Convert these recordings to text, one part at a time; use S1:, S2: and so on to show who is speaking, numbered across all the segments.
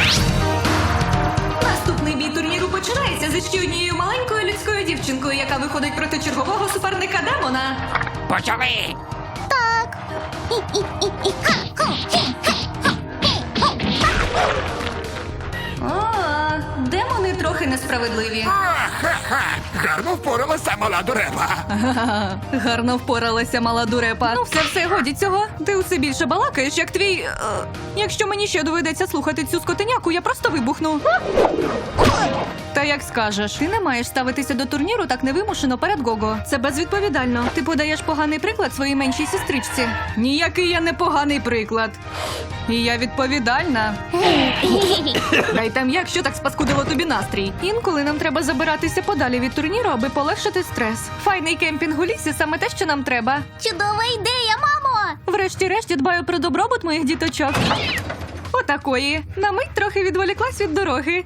S1: Наступний бій турніру починається зі ще однією маленькою людською дівчинкою, яка виходить проти чергового суперника демона.
S2: Почали!
S3: Так.
S1: О, демони трохи несправедливі.
S2: Ха-ха! Гарно впоралася мала дуреба.
S1: Гарно впоралася мала дурепа. Ну все, годі цього. Ти усе більше балакаєш, як твій... Якщо мені ще доведеться слухати цю скотиняку, я просто вибухну. Та як скажеш. Ти не маєш ставитися до турніру так невимушено перед Гого. Це безвідповідально. Ти подаєш поганий приклад своїй меншій сестричці. Ніякий я не поганий приклад. І я відповідальна. Дай там як, що так спаскудило тобі настрій. Інколи нам треба забиратися подалі від турніру, аби полегшити стрес. Файний кемпінг у лісі – саме те, що нам треба.
S3: Чудова ідея, мамо!
S1: Врешті-решт, я дбаю про добробут моїх діточок. Отакої. На мить трохи відволіклась від дороги.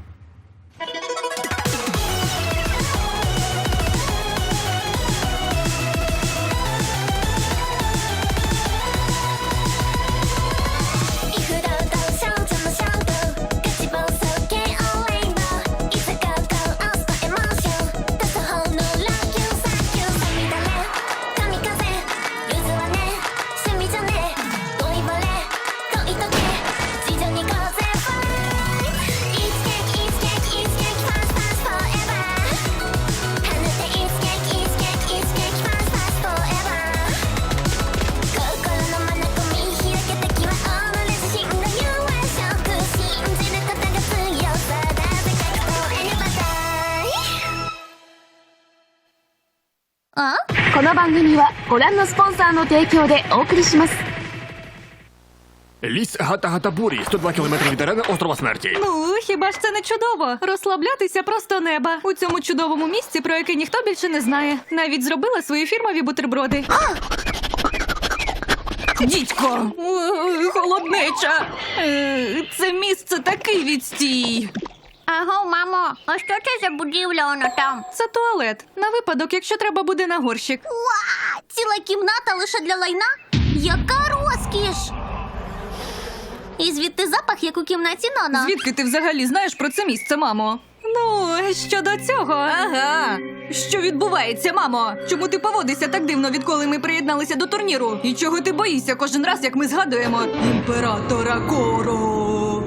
S3: А?
S4: この番組はご覧のスポンサーの提供でお送りします。
S2: Ліс Гата-Гата-Бурі, 102 кілометри від арени острова Смерті.
S1: Ну, хіба ж це не чудово? Розслаблятися просто неба. У цьому чудовому місці, про яке ніхто більше не знає. Навіть зробила свої фірмові бутерброди. Дідько! Холоднеча! Це місце такий відстій!
S3: Аго, мамо, а що це за будівля вона там?
S1: Це туалет. На випадок, якщо треба буде на горщик.
S3: Уа! Ціла кімната лише для лайна? Яка розкіш! І звідти запах, як у кімнаті Нана.
S1: Звідки ти взагалі знаєш про це місце, мамо? Ну, щодо цього... Ага. Що відбувається, мамо? Чому ти поводишся так дивно, відколи ми приєдналися до турніру? І чого ти боїшся кожен раз, як ми згадуємо імператора Коро?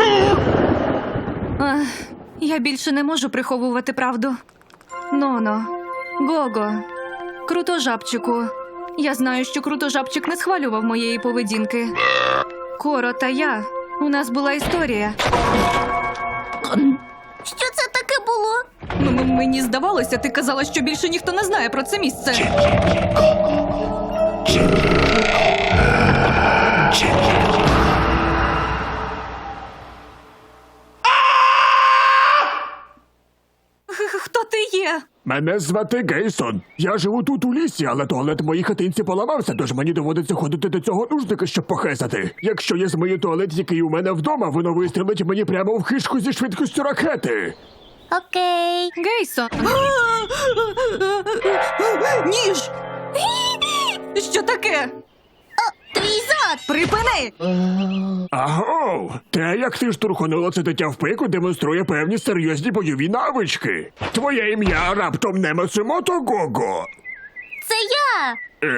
S1: Ах, я більше не можу приховувати правду. Ноно, Гого, Крутожабчику. Я знаю, що Крутожабчик не схвалював моєї поведінки. Коро та я. У нас була історія.
S3: Що це таке було?
S1: Мені здавалося, ти казала, що більше ніхто не знає про це місце. Хто ти є?
S2: Мене звати Гейсон. Я живу тут у лісі, але туалет в моїй хатинці поламався, тож мені доводиться ходити до цього нужника, щоб похесати. Якщо я змию туалет, який у мене вдома, воно вистрілить мені прямо в хишку зі швидкістю ракети.
S3: Окей.
S1: Гейсон. Ніж! Що таке?
S3: О, твій зад!
S1: Припини!
S2: Агов! Те, як ти штурхонула це дитя в пику, демонструє певні серйозні бойові навички. Твоє ім'я раптом не Мацумото Гого.
S3: Це я!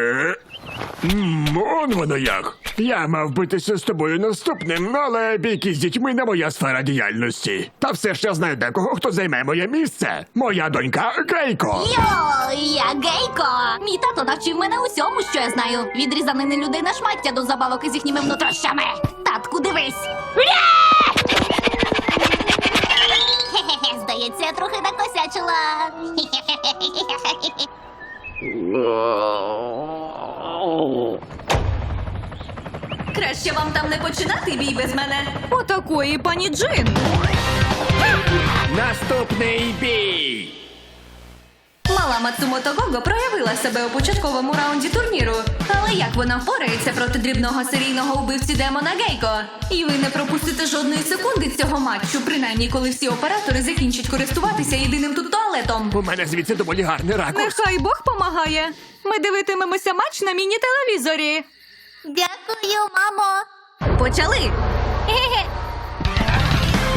S2: Он воно як. Я мав битися з тобою наступним, але бійки з дітьми не моя сфера діяльності. Та все ж я знаю декого, хто займе моє місце. Моя донька Гейко.
S3: Йо, я Гейко! Мій тато навчив мене усьому, що я знаю. Від різанини людей на шмаття до забавок із їхніми внутрішнями. Татку, дивись! Хе-хе-хе, здається, я трохи накосячила.
S1: Краще вам там не починати бій без мене. Отакої, пані Джин.
S2: Наступний бій!
S1: Мала Мацумото Гого проявила себе у початковому раунді турніру. Але як вона впорається проти дрібного серійного убивці демона Гейко? І ви не пропустите жодної секунди цього матчу, принаймні коли всі оператори закінчать користуватися єдиним тут туалетом.
S2: У мене звідси доволі гарний ракурс.
S1: Нехай Бог помагає. Ми дивитимемося матч на міні-телевізорі.
S3: Дякую, мамо.
S1: Почали!
S3: Хе-хе.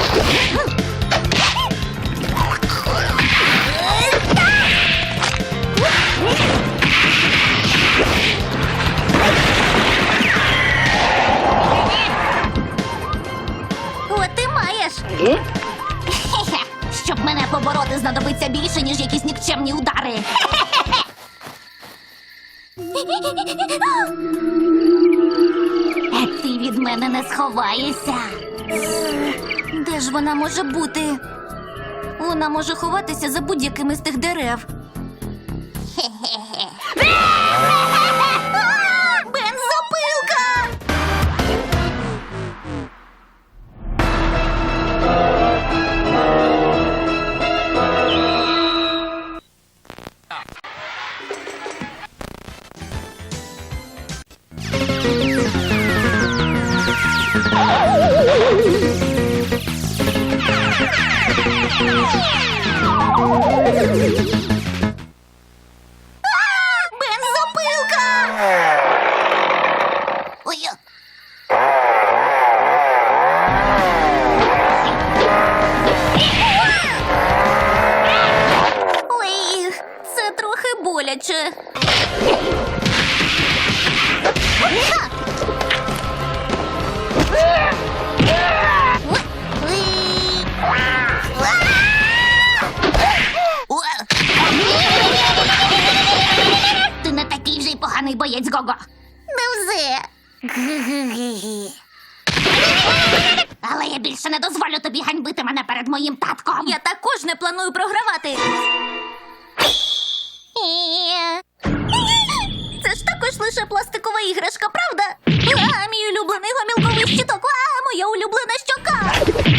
S3: От ти маєш. Хе-хе. Щоб мене побороти, знадобиться більше, ніж якісь нікчемні удари. Ти від мене не сховаєшся. Де ж вона може бути? Вона може ховатися за будь-яким із тих дерев. Бензопилка! Бензопилка! Ой. Ой, це трохи боляче. Ти не такий вже й поганий боєць, Гого. Невже. Але я більше не дозволю тобі ганьбити мене перед моїм татком. Я також не планую програвати. Це ж також лише пластикова іграшка, правда? А, мій улюблений гомілковий щиток. А, моя улюблена щока.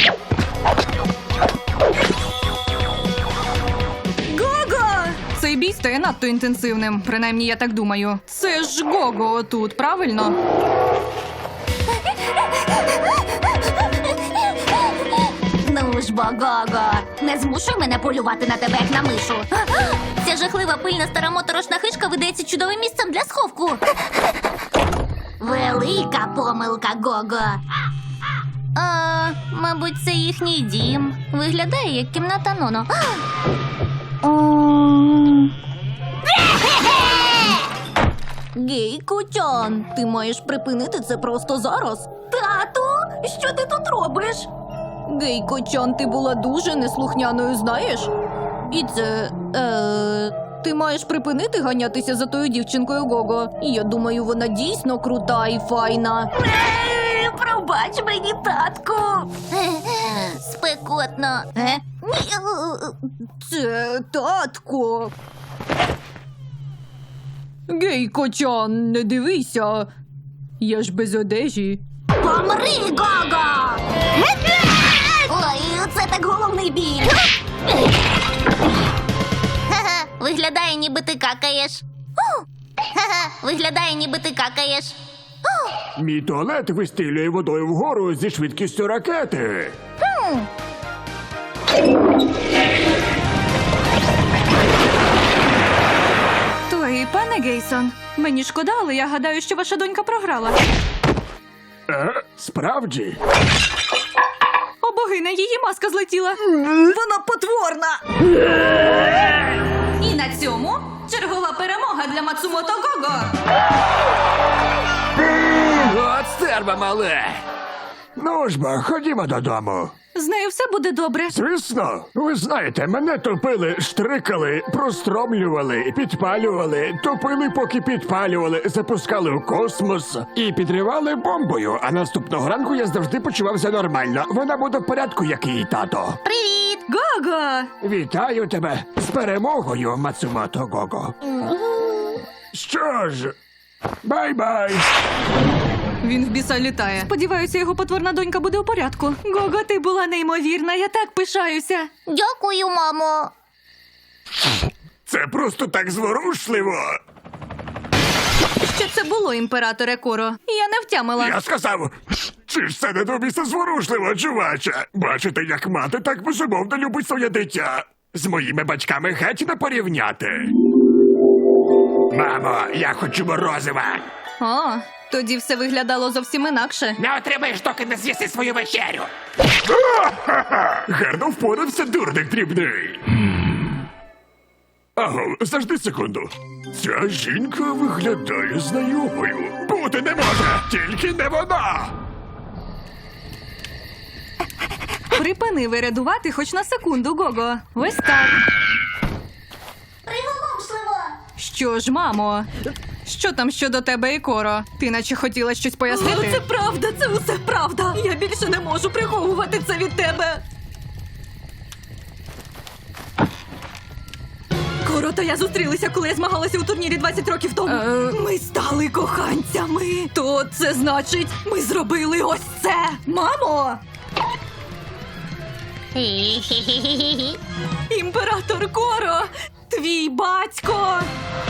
S1: Гого! Цей бій стає надто інтенсивним. Принаймні, я так думаю. Це ж Гого отут, правильно?
S3: Ну ж бо, Гого, не змушуй мене полювати на тебе, як на мишу. Ця жахлива пильна стара моторошна хишка видається чудовим місцем для сховку. Велика помилка, Гого. Мабуть, це їхній дім. Виглядає як кімната Ноно. Гейко-чан, ти маєш припинити це просто зараз. Тату, що ти тут робиш? Гейко-чан, ти була дуже неслухняною, знаєш? І це, ти маєш припинити ганятися за тою дівчинкою Гого. І я думаю, вона дійсно крута і файна. Пробач мені, татку. Спекотно. Це татко.
S1: Гейко-чан, не дивися. Я ж без одежі.
S3: Помри, Гого! Ой, це так головний біль. Ха-ха, виглядає, ніби ти какаєш. Ха-ха, виглядає, ніби ти какаєш.
S2: Мій туалет вистрілює водою вгору зі швидкістю ракети.
S1: Той, пане Гейсон, мені шкода, але я гадаю, що ваша донька програла.
S2: Справді?
S1: О, богиня, її маска злетіла. Вона потворна. І на цьому чергова перемога для Мацумото Гого.
S5: От стерва мале!
S2: Ну ж бо, ходімо додому.
S1: З нею все буде добре.
S2: Звісно, ви знаєте, мене топили, штрикали, простромлювали, підпалювали, топили, поки підпалювали, запускали у космос і підривали бомбою. А наступного ранку я завжди почувався нормально. Вона буде в порядку, як і її тато.
S3: Привіт!
S1: Гого!
S2: Вітаю тебе з перемогою, Мацумото Гого. Що ж, бай-бай.
S1: Він в біса літає. Сподіваюся, його потворна донька буде у порядку. Гого, ти була неймовірна, я так пишаюся.
S3: Дякую, мамо.
S2: Це просто так зворушливо.
S1: Що це було, імператоре Коро? Я не втямила.
S2: Я сказав, чи ж це не до біса зворушливо, чуваче? Бачите, як мати так безумовно любить своє дитя. З моїми батьками геть не порівняти. Мамо, я хочу морозива.
S1: О, Тоді все виглядало зовсім інакше.
S5: Не отримаєш, доки не з'їси свою вечерю.
S2: Гарно впорався, дурник дрібний. Аго, завжди секунду. Ця жінка виглядає знайомою. Бути не може, тільки не вона.
S1: Припини вирядувати хоч на секунду, Гого. Ось так.
S3: Приголомшливо!
S1: Що ж, мамо? Що там щодо тебе і Коро? Ти наче хотіла щось пояснити?
S3: Це правда, це усе правда. Я більше не можу приховувати це від тебе. Коро та я зустрілися, коли я змагалася у турнірі 20 років тому. Ми стали коханцями. То це значить, ми зробили ось це. Мамо! Імператор Коро! Твій батько!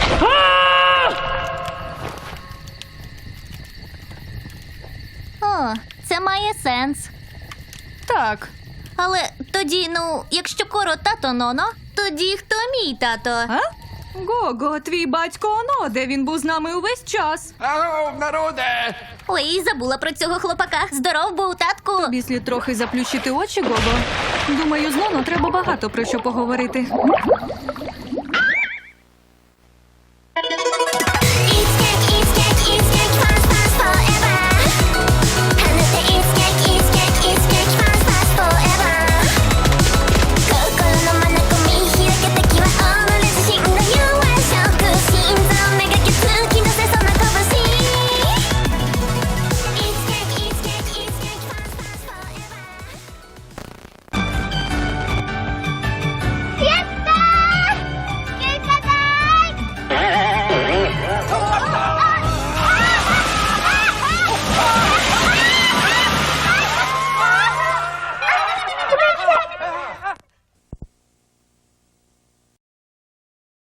S6: О, це має сенс.
S1: Так.
S6: Але тоді, якщо Коро тато Ноно, тоді хто мій тато?
S1: А? Гого, твій батько Оно, де він був з нами увесь час.
S5: Ау, народе!
S6: Ой, забула про цього хлопака. Здоров був, татку.
S1: Тобі слід трохи заплющити очі, Гого. Думаю, з Ноно треба багато про що поговорити.